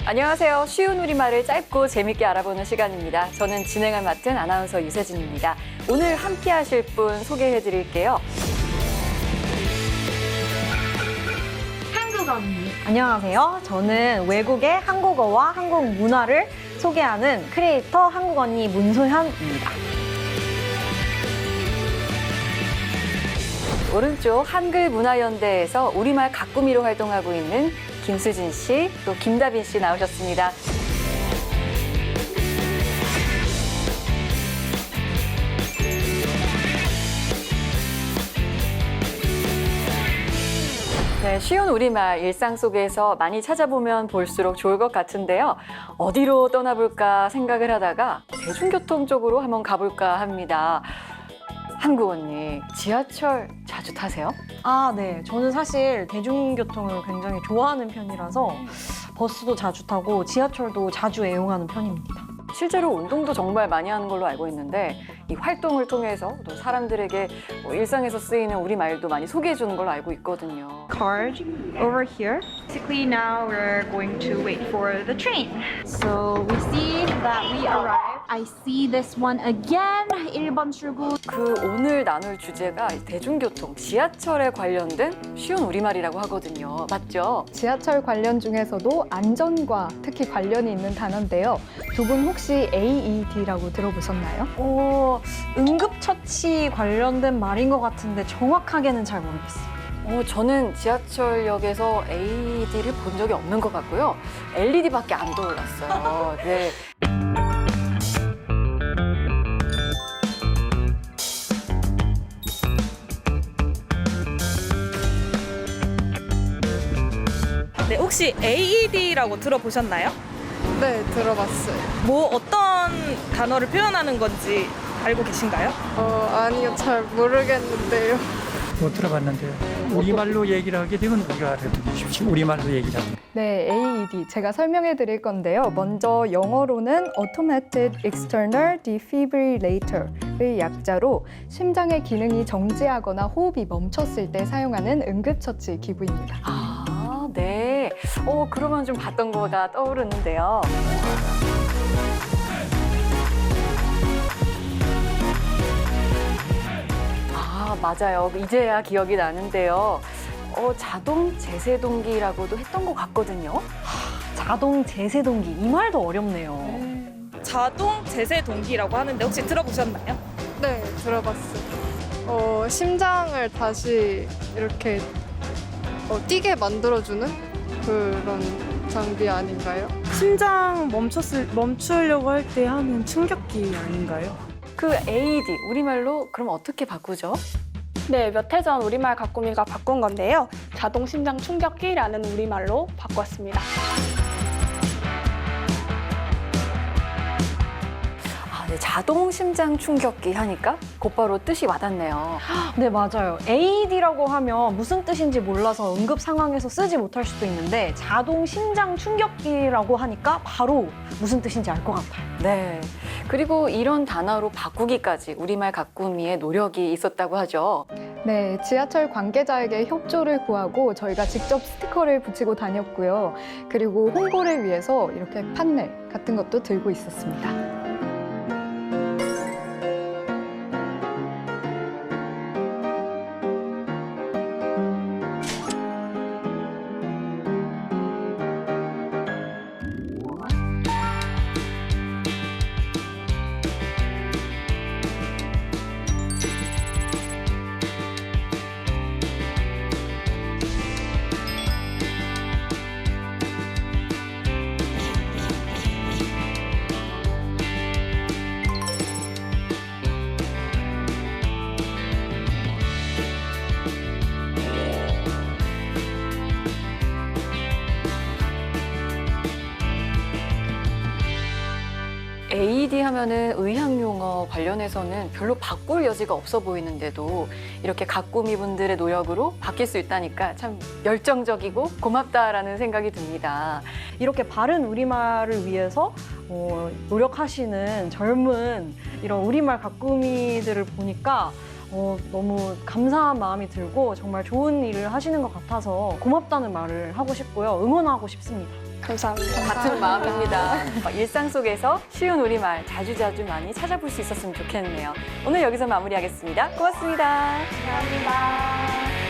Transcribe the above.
안녕하세요. 쉬운 우리말을 짧고 재밌게 알아보는 시간입니다. 저는 진행을 맡은 아나운서 유세진입니다. 오늘 함께 하실 분 소개해 드릴게요. 한국 언니. 안녕하세요. 저는 외국의 한국어와 한국 문화를 소개하는 크리에이터 한국 언니 문소현입니다. 오른쪽 한글문화연대에서 우리말 가꾸미로 활동하고 있는 김수진 씨, 또 김다빈 씨 나오셨습니다. 네, 쉬운 우리말 일상 속에서 많이 찾아보면 볼수록 좋을 것 같은데요. 어디로 떠나볼까 생각을 하다가 대중교통 쪽으로 한번 가볼까 합니다. 한국 언니, 지하철 자주 타세요? 네. 저는 사실 대중교통을 굉장히 좋아하는 편이라서 버스도 자주 타고 지하철도 자주 애용하는 편입니다. 실제로 운동도 정말 많이 하는 걸로 알고 있는데 이 활동을 통해서 또 사람들에게 일상에서 쓰이는 우리말도 많이 소개해 주는 걸로 알고 있거든요. Card over here. Basically now we're going to wait for the train. So we see that we arrived. I see this one again. 1번 출구. 그 오늘 나눌 주제가 대중교통, 지하철에 관련된 쉬운 우리말이라고 하거든요. 맞죠? 지하철 관련 중에서도 안전과 특히 관련이 있는 단어인데요. 두 분 혹시 AED라고 들어보셨나요? 응급처치 관련된 말인 것 같은데 정확하게는 잘 모르겠어요. 저는 지하철역에서 AED를 본 적이 없는 것 같고요. LED밖에 안 떠올랐어요. 네. 네, 혹시 AED라고 들어보셨나요? 네, 들어봤어요. 뭐 어떤 단어를 표현하는 건지 알고 계신가요? 아니요, 잘 모르겠는데요. 못 들어봤는데요. 우리말로 얘기를 하게 되면 우리가 알아듣기 쉽지. 우리말로 얘기를 하면. 네, AED 제가 설명해 드릴 건데요. 먼저 영어로는 Automated External Defibrillator의 약자로 심장의 기능이 정지하거나 호흡이 멈췄을 때 사용하는 응급처치 기구입니다. 네. 그러면 좀 봤던 거가 떠오르는데요. 맞아요. 이제야 기억이 나는데요. 자동 제세동기라고도 했던 것 같거든요. 자동 제세동기. 이 말도 어렵네요. 자동 제세 동기라고 하는데 혹시 들어보셨나요? 네, 들어봤어요. 심장을 다시 이렇게 뛰게 만들어주는 그런 장비 아닌가요? 심장 멈추려고 할 때 하는 충격기 아닌가요? 그 AED, 우리말로 그럼 어떻게 바꾸죠? 네, 몇 해 전 우리말 가꾸미가 바꾼 건데요. 자동 심장 충격기라는 우리말로 바꿨습니다. 네, 자동 심장 충격기 하니까 곧바로 뜻이 와닿네요. 네, 맞아요. AED라고 하면 무슨 뜻인지 몰라서 응급 상황에서 쓰지 못할 수도 있는데 자동 심장 충격기라고 하니까 바로 무슨 뜻인지 알 것 같아요. 네. 그리고 이런 단어로 바꾸기까지 우리말 가꾸미의 노력이 있었다고 하죠. 네, 지하철 관계자에게 협조를 구하고 저희가 직접 스티커를 붙이고 다녔고요. 그리고 홍보를 위해서 이렇게 판넬 같은 것도 들고 있었습니다. AED 하면은 의학용어 관련해서는 별로 바꿀 여지가 없어 보이는데도 이렇게 가꾸미 분들의 노력으로 바뀔 수 있다니까 참 열정적이고 고맙다라는 생각이 듭니다. 이렇게 바른 우리말을 위해서 노력하시는 젊은 이런 우리말 가꾸미들을 보니까 너무 감사한 마음이 들고 정말 좋은 일을 하시는 것 같아서 고맙다는 말을 하고 싶고요. 응원하고 싶습니다. 감사합니다. 같은 마음입니다. 일상 속에서 쉬운 우리말 자주자주 많이 찾아볼 수 있었으면 좋겠네요. 오늘 여기서 마무리하겠습니다. 고맙습니다. 감사합니다.